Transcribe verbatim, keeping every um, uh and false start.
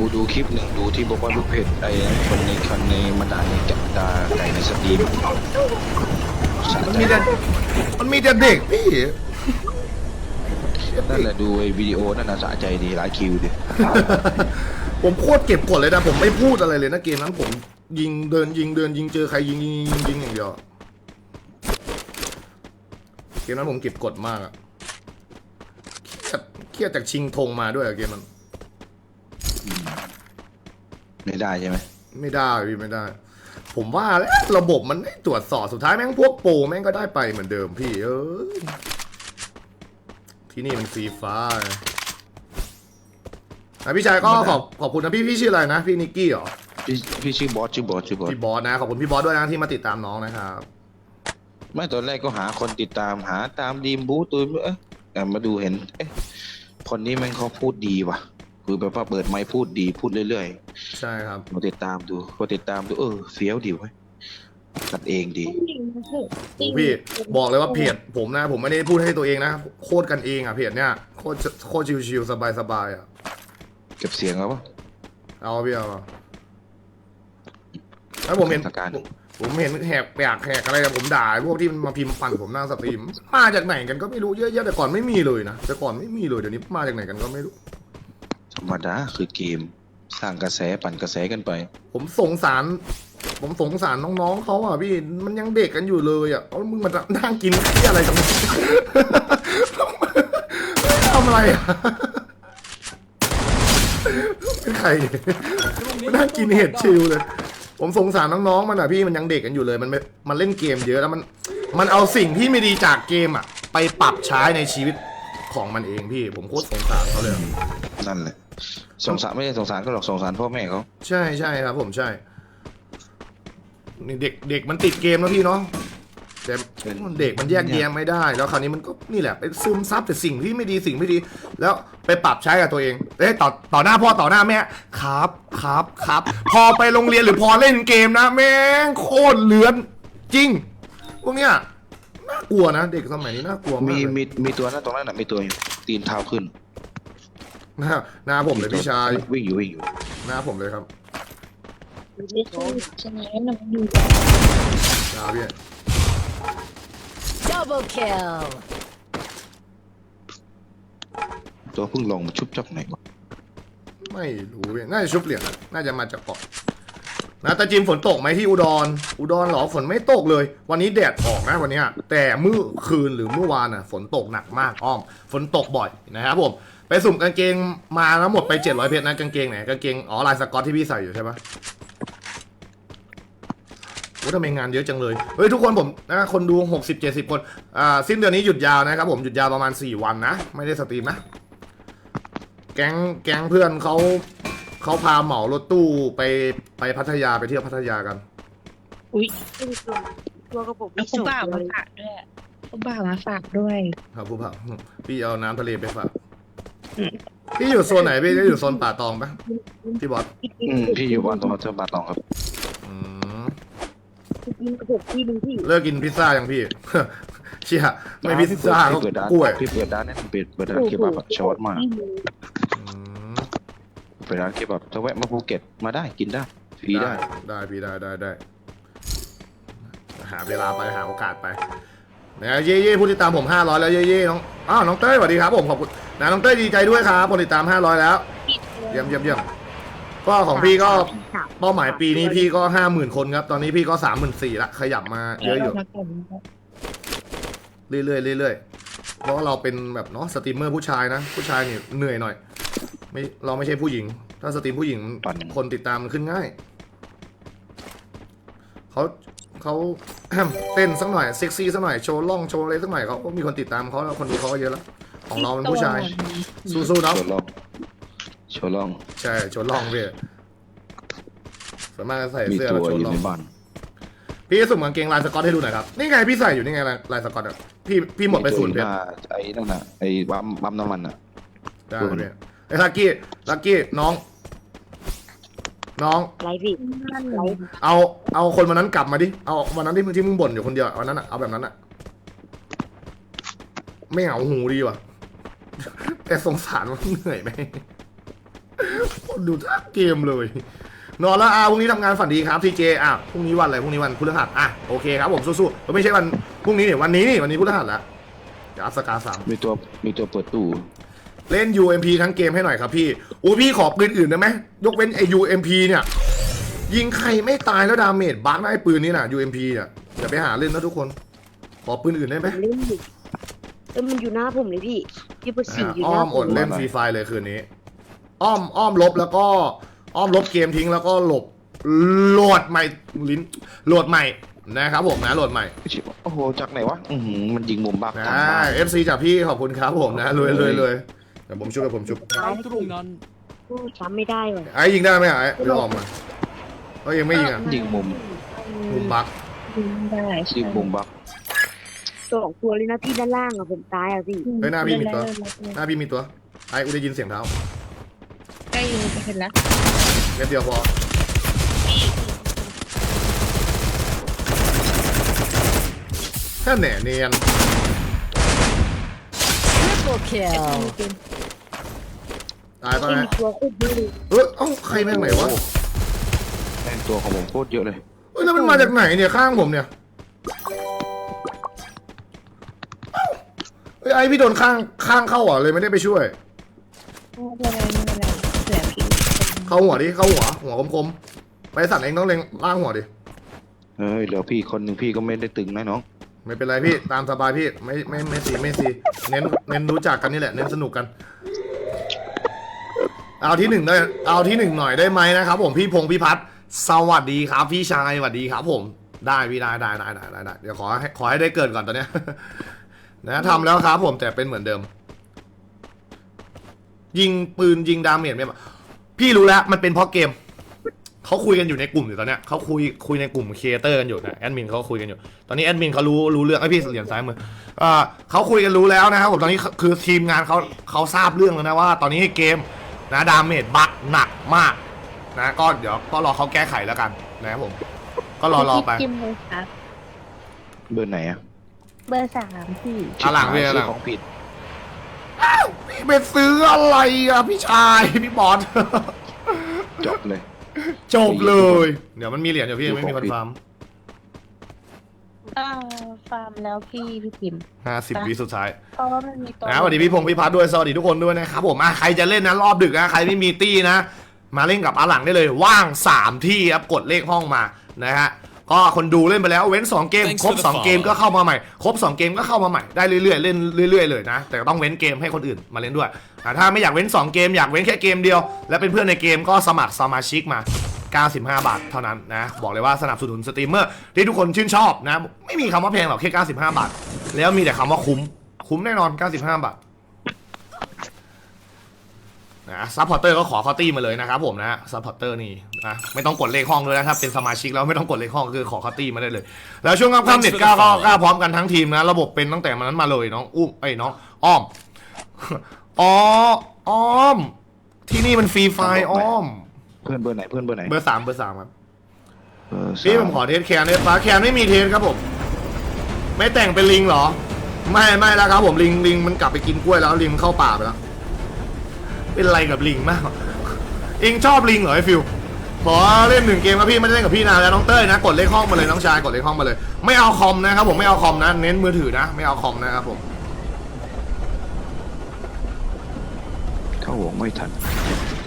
ดูคลิปหนึ่งดูที่บอกว่าลูกเพจไอ้คนในคนในมันด่าในจับดาไก่ในสตรีมสะมันใจมีแต่มันมีแต่เด็กพี่นั่นแหละดูไอ้วิดีโอนั่นน่ะสะใจดีหลายคิวดิผมโคตรเก็บกดเลยนะผมไม่พูดอะไรเลยนะเกมนั้นผมยิงเดินยิงเดินยิงเจอใครยิงยิงยิงยิงอย่างเดียวเกมนั้นผมเก็บกดมากอะเครียดเครียดจากชิงธงมาด้วยอะเกมนั้นไม่ได้ใช่ไหมไม่ได้พี่ไม่ได้ ผมว่าแล้วระบบมันไม่ตรวจสอบสุดท้ายแม่งพวกโปรแม่งก็ได้ไปเหมือนเดิมพี่เอ้ยที่นี่มันฟรีฟ้านะพี่ชายก็ขอบขอบคุณนะพี่พี่ชื่ออะไรนะพี่นิกกี้เหรอพี่พี่ชื่อบอสชื่อบอสชื่อบอสพี่บอสนะขอบคุณพี่บอสด้วยนะที่มาติดตามน้องนะครับไม่ตอนแรกก็หาคนติดตามหาตามดีมบูตัวเอ๊ะแต่มาดูเห็นเอ๊ะคนนี้แม่งเขาพูดดีว่ะคือแบบว่าเปิดไมค์พูดดีพูดเรื่อยใช่ครับๆมาติดตามดูพอติดตามดูเออเฟี้ยวดีเว้ยกันเองดีโอ้พี่บอกเลยว่าเพจผมนะ ผมไม่ได้พูดให้ตัวเองนะโคตรกันเองอ่ะเพจเนี้ยโคตรโคตรชิวๆสบายๆอ่ะเก็บเสียงแล้วปะเอาพี่เอาแล้วผมเห็นสถานการณ์ผมเห็นแหกแปกแหกอะไรกับผมด่าพวกที่มันมาพิมพ์ปั่นผมหน้าสตรีมมาจากไหนกันก็ไม่รู้เยอะแยะแต่ก่อนไม่มีเลยนะแต่ก่อนไม่มีเลยเดี๋ยวนี้มาจากไหนกันก็ไม่รู้ธรรมดาคือเกมสร้างกระแสปั่นกระแสกันไปผมสงสาร ผมสงสารน้องๆเขาอ่ะพี่มันยังเด็กกันอยู่เลยอ่ะเอามึงมานั่งกินที่อะไรกันทำอะไรอ่ะเป็นใครมานั่งกินเห็ดชิลเลย ผมสงสารน้องๆมันอ่ะพี่มันยังเด็กกันอยู่เลยมันไม่มันเล่นเกมเยอะแล้วมันมันเอาสิ่งที่ไม่ดีจากเกมอ่ะไปปรับใช้ในชีวิตของมันเองพี่ผมโคตรสงสารเขาเลยนั่นแหละสงสารไม่ใช่สงสารก็หรอกสงสารพ่อแม่เขาใช่ใช่ครับผมใช่นี่เด็กเด็กมันติดเกมแล้วพี่เนาะแต่เด็กมันแยกแยะไม่ได้ แล้วคราวนี้มันก็นี่แหละไปซึมซับแต่สิ่งที่ไม่ดีสิ่งไม่ดี แล้วไปปรับใช้กับตัวเองเอ้ยต่อต่อหน้าพ่อต่อหน้าแม่ครับครับครับ พอไปโรงเรียนหรือพอเล่นเกมนะแม่งโคตรเลือนจริงพวกเนี้ยน่ากลัวนะเด็กสมัยนี้น่ากลัวมากมีเลยมีมีตัวนั้นตรงนั้นน่ะมีตัวอยู่ตีนเท้าขึ้นหน้าหน้าผมเลยพี่ชายวิ่งอยู่วิ่งอยู่หน้าผมเลยครับไม่ใช่ใช่ไหมน้องอยู่หน้าพี่ Double kill. ตัวเพิ่งลงมาชุบจับไหนวะไม่รู้พี่น่าจะชุบเหรียญนะน่าจะมาจากเกาะนะตาจิมฝนตกไหมที่อุดร อุดรเหรอฝนไม่ตกเลย วันนี้แดดออกนะวันเนี้ยแต่เมื่อคืนหรือเมื่อวานน่ะฝนตกหนักมากอ้อม ฝนตกบ่อยนะครับผม ไปสุ่มกางเกงมาแล้วหมดไปเจ็ดร้อยเพชรนะกางเกงไหนกางเกงอ๋อลายสก๊อตที่พี่ใส่อยู่ใช่ปะโอ้ทำไมงานเยอะจังเลย เฮ้ยทุกคนผมนะคนดูหกสิบเจ็ดสิบคน อ่าสิ้นเดือนนี้หยุดยาวนะครับผมหยุดยาวประมาณสี่วันนะ ไม่ได้สตรีมนะ แก๊งแก๊งเพื่อนเขาเขาพาเหมารถตู้ไปไปพัทยาไปเที่ยวพัทยากันอุ้ยตัวกระปุกแล้วคุณบ่าวมาฝากด้วยคุณบ่าวมาฝากด้วยครับผู้ผ่าพี่เอาน้ำทะเลไปฝากพี่อยู่โซนไหนพี่อยู่โซนป่าตองปะพี่บอสอืมพี่อยู่บ้านตรงเจ้าบาทองครับอืมกินกระปุกที่นึงที่เลิกกินพิซซ่ายังพี่ เชี่ยไม่พิซซ่าก็พี่เปิดร้านกล้วยพี่เปิดร้านเนี่ยเปิดเปิดร้านเคบับอะชอตมากอืมเปิดร้านเคบับถ้าแวะมาภูเก็ตมาได้กินได้ฟรีได้ได้พี่ได้ได้ได้หาเวลาไปหาโอกาสไปนะเย่เย่ผู้ติดตามผมห้าร้อยแล้วเย่เย่น้องอ้าวน้องเต้ยสวัสดีครับผมขอบคุณนะน้องเต้ยดีใจด้วยครับผู้ติดตามห้าร้อยแล้วเยี่ยมเยี่ยมเยี่ยมก็ของพี่ก็เป้าหมายปีนี้พี่ก็ห้าหมื่นคนครับตอนนี้พี่ก็สามหมื่นสี่ละขยับมาเยอะอยู่ เรื่อยๆเรื่อยๆเพราะว่าเราเป็นแบบเนาะสตรีมเมอร์ผู้ชายนะ ผู้ชายนี่เหนื่อยหน่อย ไม่เราไม่ใช่ผู้หญิง ถ้าสตรีมผู้หญิงคนติดตามมันขึ้นง่ายเขาเขา เต้นสักหน่อยเซ็กซี่สักหน่อยโชว์ล่องโชว์อะไรสักหน่อยเขาก็มีคนติดตามเขาแล้วคนดูเขาก็เยอะแล้วของเราเป็นผู้ชาย สู้ๆเนาะโชว์ลองโชว์ลองใช่โชว์ล่องพี่ส่วนมากจะใส่มีเสื้อตัแล้ววโชอว์ยู่ล่องในบ้านพี่สุ่มกางเกงลายสก๊อตให้ดูหน่อยครับนี่ไงพี่ใส่อยู่นี่ไงลายลายสก๊อตอ่ะพี่พี่หมดไปศูนย์เพชรไอ้นั่นน่ะไอ้ปั๊มปั๊มน้ำมันอ่ะได้เลยไอ้ลักกี้ลักกี้น้อง น้องไรพี่ไรเอาเอาคนวันนั้นกลับมาดิเอาวันนั้นที่ที่มึงบ่นอยู่คนเดียววันนั้นอะเอาแบบนั้นอะไม่เหงาหูดีว่ะ แต่สงสารมันเหนื่อยไหมโคดูทั้งเกมเลย นอนแล้วอ่ะพรุ่งนี้ทำงานฝันดีครับทีเจอ่ะพรุ่งนี้วันอะไรพรุ่งนี้วันพฤหัสอ่ะโอเคครับผมสู้ๆไม่ใช่วันพรุ่งนี้เนี่ยวันนี้นี่วันนี้พฤหัสแล้วเดี๋ยวอัพสกาสามมีตัวมีตัวเปิดตู้เล่น ยู เอ็ม พี ทั้งเกมให้หน่อยครับพี่โอ้พี่ขอปืนอื่นได้ไหมยกเว้นไอ้ ยู เอ็ม พี เนี่ยยิงใครไม่ตายแล้วดาเมจบั๊กนะไอ้ปืนนี้น่ะ ยู เอ็ม พี เนี่ยอย่าไปหาเล่นนะทุกคนขอปืนอื่นได้ไหมผมเล่นอยู่เออมันอยู่หน้าผมเลยพี่ยี่สิบสี่อยู่หอ้อน้าม ผอมดเล่นฟรีไฟเลยคืนนี้ อ้อมอ้อมลบแล้วก็อ้อมลบเกมทิ้งแล้วก็หลบโหลดใหม่ลิ้นโหลดใหม่นะครับผมนะโหลดใหม่โอ้โหจากไหนวะอือหือมันยิงมุมบักนะกลางบ้านเอฟซีจากพี่ขอบคุณครับผมนะรวยรวยรวยเดี๋ยวผมชุบเดี๋ยวผมชุบตามตรงนั้นสู้ซ้ำไม่ได้ว่ะไอ้ยิงได้ไหมไอ้เดี๋ยวออกมาเอ้ยยังไม่ยิงอ่ะยิงมุมมุมบักยิงได้ยิงมุมบักสองตัวเลยนะพี่ด้านล่างอ่ะผมตายอ่ะพี่เฮ้ยหน้าพี่มีตัวหน้าพี่มีตัวไอ้กูได้ยินเสียงเท้าใกล้ยิงจะเห็นแล้วเม็ดเดียวพอแค่แหน่เนียน Triple kill ตายไปไม่ไหมมีตัวคุดด้วยเอ้ยเอ้าใครแม่งไหนวะแม่งตัวของผมโคตรเยอะเลยเอ้ยแล้วมันมาจากไหนเนี่ยข้างผมเนี่ยเอ้าเอ้ยไอพี่โดนข้างข้างเข้าเหรอเลยไม่ได้ไปช่วยไม่เป็นไรไม่เป็นไรเสือพี่เข้าหัวดิเข้าหัวหัวคมๆไปสั่นเองต้องเล็งล่างหัวดิเฮ้ยเหลือพี่คนหนึ่งพี่ก็ไม่ได้ตึงนะน้องไม่เป็นไรพี่ตามสบายพี่ไม่ไม่ไม่ซีไม่ซีเน้นเน้นรู้จักกันนี่แหละเน้นสนุกกัน เอาที่หนึ่งได้เอาที่หนึ่งหน่อยได้ไหมนะครับผมพี่พงษ์พี่พัฒน์สวัสดีครับพี่ชายสวัสดีครับผมได้พี่ได้ได้ได้ได้ได้ได้เดี๋ยวขอให้ขอให้ได้เกิดก่อนตอนเนี้ย นะทำแล้วครับผมแต่เป็นเหมือนเดิม ยิงปืนยิงดาเมจไม่มาพี่รู้แล้วมันเป็นเพราะเกมเขาคุยกันอยู่ในกลุ่มอยู่ตอนเนี้ยเขาคุยคุยในกลุ่มครีเอเตอร์กันอยู่นะแอดมินเขาคุยกันอยู่ตอนนี้แอดมินเขารู้รู้เรื่องไอ้พี่เหรียญซ้ายมืออ่าเขาคุยกันรู้แล้วนะครับผมตอนนี้คือทีมงานเขาเขาทราบเรื่องแล้วนะว่า ตอนนี้เกมนะดาเมจบักหนักมากนะก็เดี๋ยวก็รอเขาแก้ไขแล้วกันนะครับผม ก็รอรอไปจิ้มเลยครับเบอร์ไหนอะเบอร์สามพี่อ่ะหลังพี่ชื่หลัอง ของผิดพี่ไปซื้ออะไรอ่ะพี่ชายพี่บอลจบเลยจบเลย เดี๋ยวมันมีเหรียญอยู่พี่ยังไม่มีคอนฟาร์มอ่าฟาร์มแล้วพี่พี่พิมพ์ห้าสิบวิสุดท้ายเพราะว่ามันมีตัวนะสวัสดีพี่พงศ์พี่พัฒน์ด้วยสวัสดีทุกคนด้วยนะครับผมอ่ะใครจะเล่นนะรอบดึกนะใครไม่มีตี้นะ มาเล่นกับอาหลังได้เลย ว่างสามที่ครับกดเลขห้องมานะฮะก็คนดูเล่นไปแล้วเว้นสองเกม Thanks ครบ for the สองเกม follow ก็เข้ามาใหม่ครบสองเกมก็เข้ามาใหม่ได้เรื่อยๆเล่นเรื่อยๆเลยนะแต่ต้องเว้นเกมให้คนอื่นมาเล่นด้วยอ่ะถ้าไม่อยากเว้นสองเกมอยากเว้นแค่เกมเดียวและเป็นเพื่อนในเกมก็สมัครสมาชิกมาเก้าสิบห้าบาทเท่านั้นนะบอกเลยว่าสนับสนุนสตรีมเมอร์ที่ทุกคนชื่นชอบนะไม่มีคำว่าแพงหรอกแค่เก้าสิบห้าบาทแล้วมีแต่คำว่าคุ้มคุ้มแน่นอนเก้าสิบห้าบาทนะซัพพอร์เตอร์ก็ขอเข้าตี้มาเลยนะครับผมนะซัพพอร์เตอร์นี่นะไม่ต้องกดเลขห้องด้วยนะครับเป็นสมาชิกแล้วไม่ต้องกดเลขห้องคือขอเข้าตี้มาได้เลย แล้วช่วงค่ำๆเน็ตก้าก็กล้าพร้อมกันทั้งทีมนะระบบเป็นตั้งแต่มันนั้นมาเลยน้องอุ้มไอ้ยน้องอ้อม อ๋ออ้อม ที่นี่มันฟรีไฟล์อ้อมเพื่อนเบอร์ไหนเพื่อนเบอร์ไหนเบอร์สามเบอร์สามครับเบอร์สาพี่ผมขอเทสแคนเนี่ยฟ้าแคนไม่มีเทสครับผม ไม่แต่งเป็นลิงเหรอ ไม่ไม่แล้วครับผมลิงลิงมันกลับไปกินกล้วยแล้วลิงมันเข้าป่าไปแล้ว เป็นไรกับลิงมากเองชอบลิงเหรอไอ้ฟิวขอเล่นหนึ่งเกมครับพี่ไม่ได้เล่นกับพี่นานแล้วน้องเต้ยนะกดเลขห้องมาเลยน้องชายกดเลขห้องมาเลย ไม่เอาคอมนะครับผมไม่เอาคอมนะเน้นมือถือนะไม่เอาคอมนะครับผมเข้าวงไม่ทัน